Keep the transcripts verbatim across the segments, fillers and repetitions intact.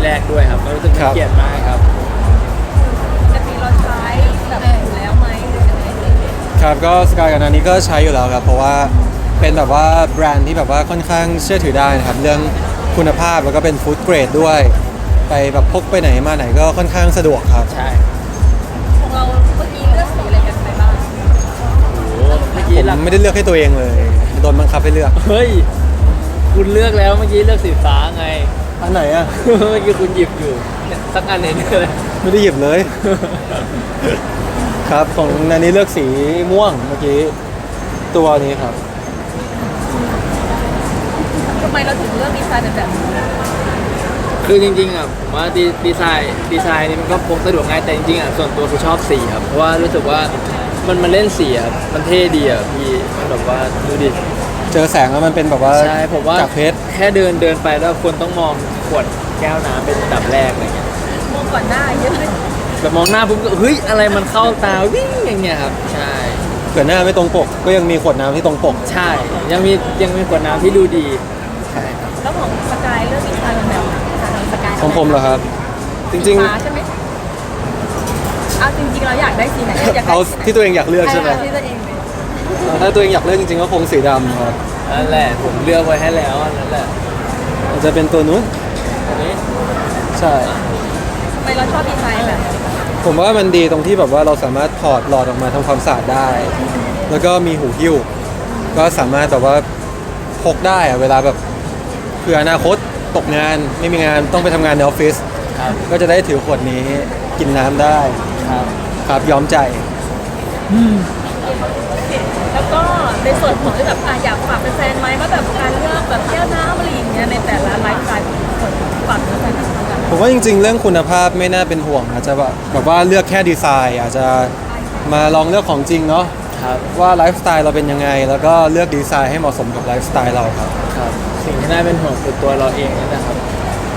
แรกด้วยครับก็รู้สึกเป็นเกียรติมากครับจะมีเราใช้แบบอยู่แล้วไหมหรือยังไงครับก็สกายกับนานี้ก็ใช้อยู่แล้วครับเพราะว่าเป็นแบบว่าแบรนด์ที่แบบว่าค่อนข้างเชื่อถือได้นะครับเรื่องคุณภาพแล้วก็เป็นฟู้ดเกรดด้วยไปแบบพกไปไหนมาไหนก็ค่อนข้างสะดวกครับใช่ของเราเมื่อกี้เลือกสีอะไรกันไปบ้างโอ้เมื่อกี้ผมหลักไม่ได้เลือกให้ตัวเองเลยโดนบังคับให้เลือกเฮ้ยคุณเลือกแล้วเมื่อกี้เลือกสีฟ้าไงอันไหนอ่ะเมื่อกี้คุณหยิบอยู่เนี่ยสักอันเองเลยไม่ได้หยิบเลย ครับของนานี้เลือกสีม่วงเมื่อกี้ตัวนี้ครับทำไมเราถึงเลือกดีไซน์เป็นแบบนี้คือจริงๆอ่ะผมว่าดีดีไซน์ดีไซน์นี่มันก็พกสะดวกง่ายแต่จริงๆอ่ะส่วนตัวคือชอบสีครับเพราะว่ารู้สึกว่ามันมันเล่นสีอ่ะมันเท่ดีอ่ะพี่มันแบบว่าดูดิเจอแสงแล้วมันเป็นแบบว่าใช่ผมว่าจากเพชรแค่เดินเดินไปแล้วคนต้องมองขวดแก้วน้ำเป็นอันดับแรกอะไรเงี้ยมองก่อนหน้าเยอะเลยแบบมองหน้าปุ๊บก็เฮ้ยอะไรมันเข้าตาวิ่งอย่างเงี้ยครับใช่เผื่อหน้าไม่ตรงปกก็ยังมีขวดน้ำที่ตรงปกใช่ยังมียังมีขวดน้ำที่ดูดีใช่ครับแล้วของสกายเลือกดีไซน์เป็นแบบไหนคะสกายของผมเหรอครับ จริงฟ้าใช่ไหมเอาจริงๆเราอยากได้สีไหนอยากๆได้เอาที่ตัวเองอยากเลือกใช่ไหมที่ตัวเองเลยถ้าตัวเองอยากเลือกจริงๆก็คงสีดำครับนั่นแหละผมเลือกไว้ให้แล้วอันนั่นแหละอาจจะเป็นตัวนู้นอันนี้ใช่ทำไมเราชอบดีไซน์แบบนี้ผมว่ามันดีตรงที่แบบว่าเราสามารถถอดหลอดออกมาทำความสะอาดได้ แล้วก็มีหูหิ้วก็สามารถแบบว่าพกได้อะเวลาแบบเผื่ออนาคตตกงานไม่มีงานต้องไปทำงานในออฟฟิศครับก็จะได้ถือขวดนี้กินน้ำได้ครับครับย้อมใจแล้วก็ในส่วนของที่แบบอ่ะอยากฝากแฟนๆไหมว่าแบบการเลือกแบบแก้วน้ำอะไรอย่างเงี้ยในแต่ละไลฟ์สไตล์ของคนฝากแฟนๆเหมือนกันผมว่าจริงๆ เรื่องคุณภาพไม่น่าเป็นห่วงอาจจะแบบแบบว่าเลือกแค่ดีไซน์อาจจะมาลองเลือกของจริงเนาะครับว่าไลฟ์สไตล์เราเป็นยังไง แล้วก็เลือกดีไซน์ให้เหมาะสมกับไลฟ์สไตล์เราครับครับสิ่งที่น่าเป็นห่วงคือตัวเราเองนั่นแหละครับ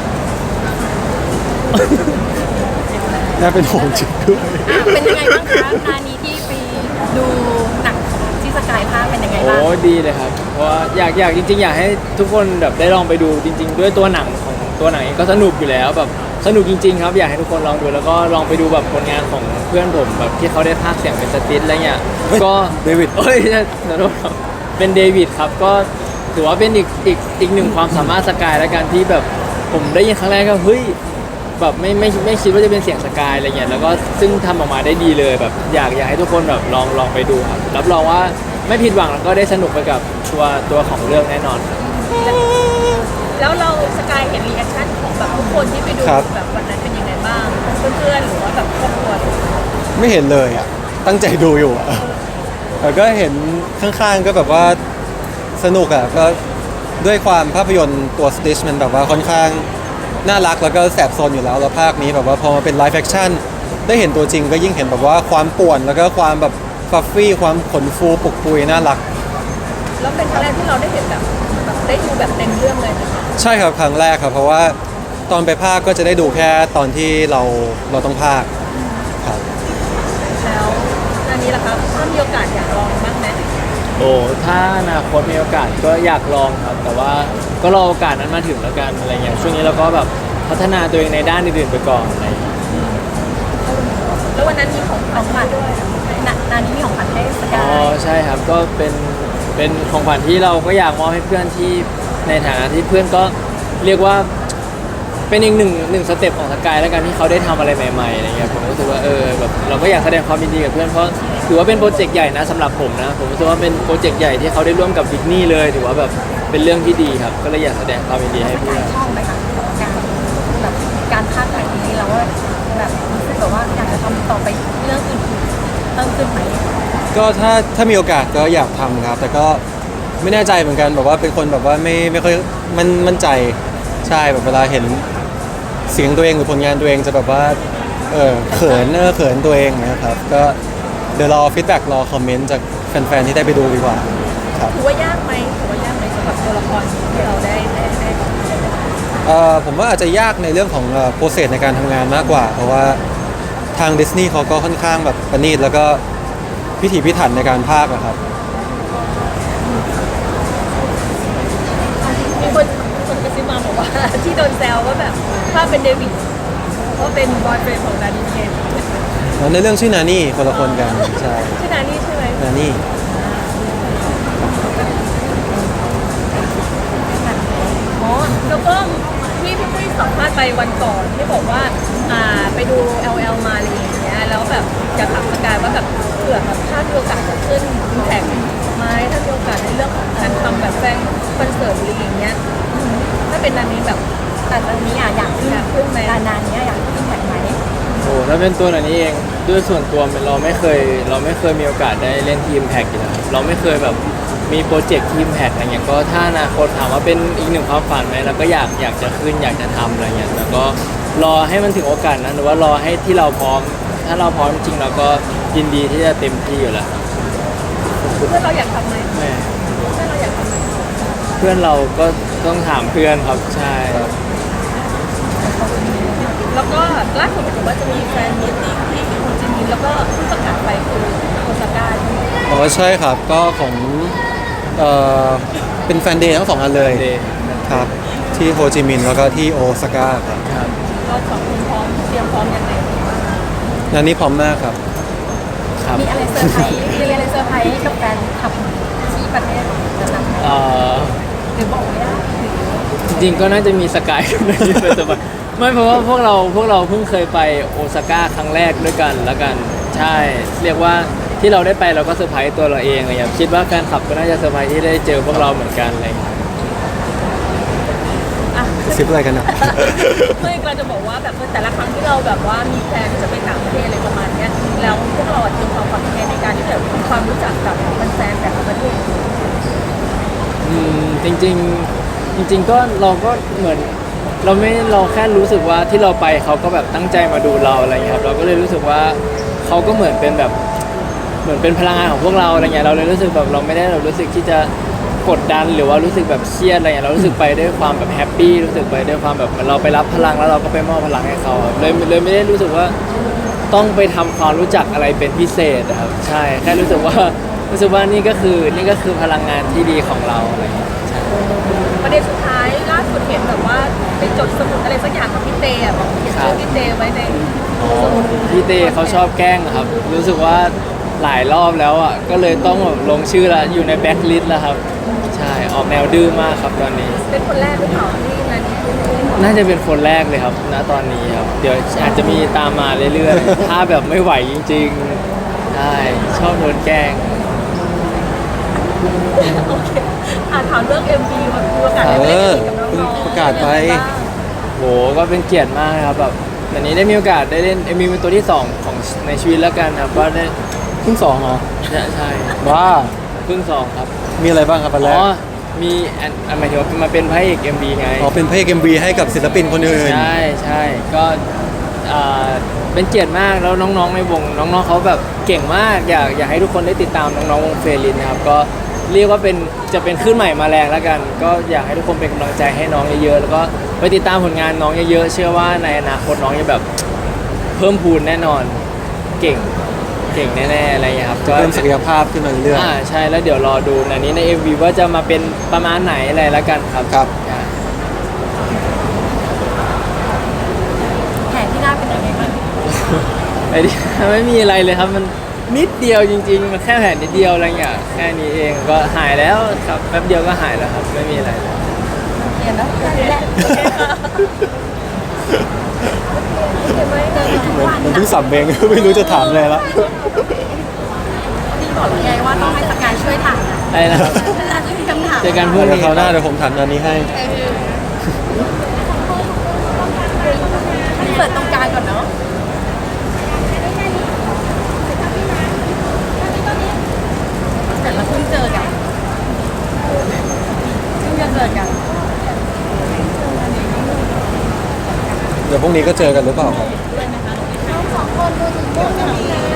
น่าเป็นห่วงจริงด้วยเป็นยังไงบ้างคะนานี้ที่ไปดูหนังของที่สกายภาคเป็นยังไงบ้างโอ้ดีเลยครับ เพราะว่าอยากอยากจริงๆ อยากให้ทุกคนแบบได้ลองไปดูจริง ๆ ด้วยตัวหนังของตัวหนังเองก็สนุกอยู่แล้วแบบสนุกจริงๆครับอยากให้ทุกคนลองดูแล้วก็ลองไปดูแบบผลงานของเพื่อนผมแบบที่เขาได้พากย์เสียงเป็นสติสอะไรเงี้ยเฮ้ยก็เดวิดเอ้ยขอโทษครับเป็นเดวิดครับก็ถือว่าเป็นอีกอีกอีกหนึ่งความสามารถสกายแล้วกันที่แบบผมได้ยินครั้งแรกก็เฮ้ยแบบไม่ไม่ไม่คิดว่าจะเป็นเสียงสกายอะไรเงี้ยแล้วก็ซึ่งทำออกมาได้ดีเลยแบบอยากอยากให้ทุกคนแบบลองลองไปดูครับรับรองว่าไม่ผิดหวังแล้วก็ได้สนุกไปกับตัวตัวของเรื่องแน่นอนครับแล้วเราสกายเห็นรีแอคชั่นของแบบทุกคนที่ไปดูครับแบบวันนั้นเป็นยังไงบ้างเพื่อนๆหรือว่าแบบครอบครัวไม่เห็นเลยอ่ะ ตั้งใจดูอยู่อ่ะแต่ก็เห็นข้างๆก็แบบว่าสนุกอ่ะก็ด้วยความภาพยนตร์ตัว Stitch มันแบบว่าค่อนข้างน่ารักแล้วก็แสบโซนอยู่แล้วแล้วภาคนี้แบบว่าพอมาเป็นไลฟ์แฟคชั่นได้เห็นตัวจริงก็ยิ่งเห็นแบบว่าความป่วนแล้วก็ความแบบฟัฟฟี่ความขนฟูปุกปุยน่ารักแล้วเป็นครั้งแรกที่เราได้เห็นแบบแบบได้ดูแบบเต็มเรื่องเลยนะคะใช่ครับครั้งแรกครับเพราะว่าตอนไปภาคก็จะได้ดูแค่ตอนที่เราเราต้องภาคครับแล้วอันนี้ล่ะครับถ้ามีโอกาสอยากลองบ้างไหมโอ้ถ้าอนาคตมีโอกาสก็อยากลองครับ แต่ว่าก็รอโอกาสนั้นมาถึงแล้วกันอะไรเงี้ยช่วงนี้เราก็แบบพัฒนาตัวเองในด้านอื่นๆไปก่อนอะไรเงี้ยแล้ววันนั้นมีของของขวัญด้วยนานานี้มีของขวัญให้สกาอ๋อย ใช่ครับก็เป็นเป็นของขวัญที่เราก็อยากมอบให้เพื่อนที่ในฐานะที่เพื่อนก็เรียกว่าเป็นอีกหนึ่งหนึ่งสเต็ปของสกายแล้วกันที่เขาได้ทำอะไรใหม่ๆอะไรเงี้ยผมรู้สึกว่าเออแบบเราก็อยากแสดงความยินดีกับเพื่อนเพราะถือว่าเป็นโปรเจกต์ใหญ่นะสำหรับผมนะผมรู้สึกว่าเป็นโปรเจกต์ใหญ่ที่เขาได้ร่วมกับดิสนีย์เลยถือว่าแบบเป็นเรื่องที่ดีครับก็เลยอยากแสดงความยินดีให้สเพื่กาอย นชอบไหมคะกับการแบบการพากย์แบบนี้แล้วว่าแบบรู้สึกแบบว่าอยากจะทำต่อไปเรื่องอื่นๆเพิ่มขึ้นไหมก็ถ้าถ้ามีโอกาสก็อยากทำครับ แต่ก็ไม่แน่ใจเหมือนกันแบบว่าเป็นคนแบบว่าไม่ไม่ค่อยมันมั่นใจใช่แบบเวลาเห็นเสียงตัวเองหรือผลงานตัวเองจะแบบว่าเออเขินเออเขินตัวเองนะครับก็เดี๋ยวรอฟีดแบ็กรอคอมเมนต์จากแฟนๆที่ได้ไปดูดีกว่าครับถือว่ายากไหมถือว่ายากไหมสำหรับตัวละครที่เราได้ได้ได้เอ่อผมว่าอาจจะยากในเรื่องของโปรเซสในการทำงานมากกว่า เพราะว่าทางดิสนีย์เขาก็ค่อนข้างแบบประณีตแล้วก็พิถีพิถันในการพากย์อะครับมีคนคนกระซิบมาบอกว่าว่าที่โดนแซวว่าแบบถ้าเป็นเดวิดว่าเป็นบอยเฟรนด์ของนาดิเคนแล้วในเรื่องชื่อนานี่คนละคนกันใช่ชื่อนานี่ใช่ไหมนานี่อ๋อแล้วก็ที่พี่ปุ้ยสัมภาษณ์ไปวันก่อนที่บอกว่าอ่าไปดู แอล แอล มาอะไรอย่างเงี้ยแล้วแบบอยากถามสกายว่าแบบเผื่อแบบถ้ามีโอกาสจะขึ้นแข่งไหมถ้ามีโอกาสในเรื่องของการทำแบบแฟนคอนเสิร์ตอะไรอย่างเงี้ยอืมถ้าเป็นนานี้แบบแต่ตอนนี้อ่ะอยากขึ้นอยากขึ้นไหมนานๆเนี้ยอยากขึ้นแข่งไหมโอ้ถ้าเป็นตัวไหนนี้เองด้วยส่วนตัวเราไม่เคย เราไม่เคยมีโอกาสได้เล่นทีมแพ็กอยู่แล้วเราไม่เคยแบบมีโปรเจกต์ทีมแพ็กอะไรเงี้ยก็ถ้าอนาคตถามว่าเป็นอีกหนึ่งความฝันไหมเราก็อยากอยากจะขึ้นอยากจะทำอะไรเงี้ยแต่ก็รอให้มันถึงโอกาสนั้นหรือว่ารอให้ที่เราพร้อม ถ้าเราพร้อมจริงเราก็ยินดีที่จะเต็มที่อยู่แล้วเพื่อนเราอยากทำไหมแม่เพื่อนเราอยากทำไหมเพื่อนเราก็ต้องถามเพื่อนครับใช่แล้วก็ล่าสุดเห็นว่าจะมีแฟนมิตติ้งที่โฮจิมินห์แล้วก็เพิ่งประกาศไปคือโอซาก้าใช่ไหมอ๋อใช่ครับก็ของเอ่อเป็นแฟนเดย์ทั้งสองอันเลยเดย์ครับ ที่โฮจิมินห์แล้วก็ที่โอซาก้าครับครับเราสองคนพร้อมเตรียมพร้อมยังไงงานนี้พร้อมมากครับครับมีอะไรเซอร์ไพรส์มีอะไรเซอร์ไพรส์กับแฟนคลับที่ประเทศนั้นๆไหมเอ่อหรือบอกไม่ได้หรือจริงๆก็น่าจะมีสกายกับนายไปแต่ว่าไม่เพราะว่าพวกเราพวกเราเพิ่งเคยไปโอซาก้าครั้งแรกด้วยกันแล้วกันใช่ เรียกว่าที่เราได้ไปเราก็เซอร์ไพรส์ตัวเราเองอะไรอย่างเงี้ยคิดว่าแฟนคลับก็น่าจะเซอร์ไพรส์ที่ได้เจอพวกเราเหมือนกันอะไรอย่างเงี้ยอ่ะซิปอะไรกันนะเพื่อนเราจะบอกว่าแบบแต่ละครั้งที่เราแบบว่ามีแพลนที่จะไปต่างประเทศอะไรประมาณเนี้ยแล้วพวกเราอะเตรียมความฝันยังไงในการที่จะทำความรู้จักกับแฟนๆแต่ละประเทศอืมจริงๆจริง ๆ ก็เราก็เหมือนเราไม่เราแค่รู้สึกว่าที่เราไปเขาก็แบบตั้งใจมาดูเราอะไรเงี้ยครับเราก็เลยรู้สึกว่าเขาก็เหมือนเป็นแบบเหมือนเป็นพลังงานของพวกเราอะไรเงี้ยเราเลยรู้สึกแบบเราไม่ได้เรารู้สึกที่จะกดดันหรือว่ารู้สึกแบบเครียดอะไรเงี้ยเรารู้สึกไปด้วยความแบบแฮปปี้รู้สึกไปด้วยความแบบเหมือนเราไปรับพลังแล้วเราก็ไปมอบพลังให้เขาครับเลยเลยไม่ได้รู้สึกว่าต้องไปทำความรู้จักอะไรเป็นพิเศษนะครับใช่แค่รู้สึกว่ารู้สึกว่านี่ก็คือนี่ก็คือพลังงานที่ดีของเราอะไรเงี้ยใช่ประเด็นสุดท้ายล่าสุดเห็นแบบว่าไปจดสมุดอะไรสักอย่างกับพี่เตอ่ะบอกเขียนชื่อพี่เตไว้ในสมุดพี่เตเขาชอบแกล้งอะครับ รู้สึกว่าหลายรอบแล้วอ่ะ ก็เลยต้องแบบลงชื่อละอยู่ในแบ็คลิสต์แล้วครับ ใช่ ออกแนวดื้อมากครับตอนนี้เป็นคนแรกหรือเปล่าที่นันนี้น่าจะเป็นคนแรกเลยครับ ณ ตอนนี้ครับ เดี๋ยวอาจจะมีตามมาเรื่อยๆ ถ้าแบบไม่ไหวจริงๆ ใช่ ชอบโดนแกล้งโอเคอ่าถามเรื่อง เอ็ม วี มันมีโอกาสได้ไปเล่น เอ็ม วีกับน้องๆประกาศไปโห ก็เป็นเกียรติมากนะครับแบบวันนี้ได้มีโอกาสได้เล่นเอ็มวีเป็นตัวที่สองของในชีวิตแล้วกันครับ ก็ได้เพิ่งสองเหรอใช่ใช่ว้าเพิ่งสองครับมีอะไรบ้างครับอันแรอ๋กอ มีอันอันหมายถึงว่ามาเป็นพระเอก เอ็ม วี ไงอ๋อเป็นพระเอกเอ็มวีให้กับศิลปินคนอื่นใช่ใช่ก็อ่าเป็นเกียรติมากแล้วน้องๆในวงน้องๆเขาแบบเก่งมากอยากอยากให้ทุกคนได้ติดตามน้องๆวงเฟรลินนะครับก็เรียกว่าเป็นจะเป็นขึ้นใหม่มาแรงแล้วกัน ก็อยากให้ทุกคนเป็นกำลังใจให้น้องเยอะๆแล้วก็ไปติดตามผลงานน้องเยอะๆเชื่อว่าในอนาคตน้องจะแบบเพิ่มพูนแน่นอนเก่งเก่งแน่ๆอะไรอย่างเงี้ยครับก็เพิ่มศักยภาพขึ้นมาเรื่อยอ่าใช่แล้วเดี๋ยวรอดูอันนี้ใน เอ็ม วี ว่าจะมาเป็นประมาณไหนอะไรแล้วกันครับครับใช่แผนที่หน้าเป็นยังไงบ้างไอ้ที่ ไม่มีอะไรเลยครับมันนิดเดียวจริงๆ มันแค่แผลนิดเดียวอะไรเงี้ยแค่นี้เองก็หายแล้วครับแป๊บเดียวก็หายแล้วครับไม่มีอะไรเลยเรียนแล้วแค่นี้แหละเห็นไหมเจอกันทุกๆเหมือนวันเหมันเพิ่งสับเบง ไม่รู้จะถามอะไรละนี่บอกแล้วไงว่าต้องให้สกายช่วยถามนะอะไรนะครับเวลาที่มีคำถามเจอกันพรุ่งเดี๋ยวนี้คราวหน้าเดี๋ยวผมถามอันนี้ให้เออเปิดตรงกลางก่อนเนาะแต่เราเพิ่งเจอกันเพิ่งจะเจอกันเดี๋ยวพรุ่งนี้ก็เจอกันหรือเปล่าครับสองคนดูถึงพวกจะมี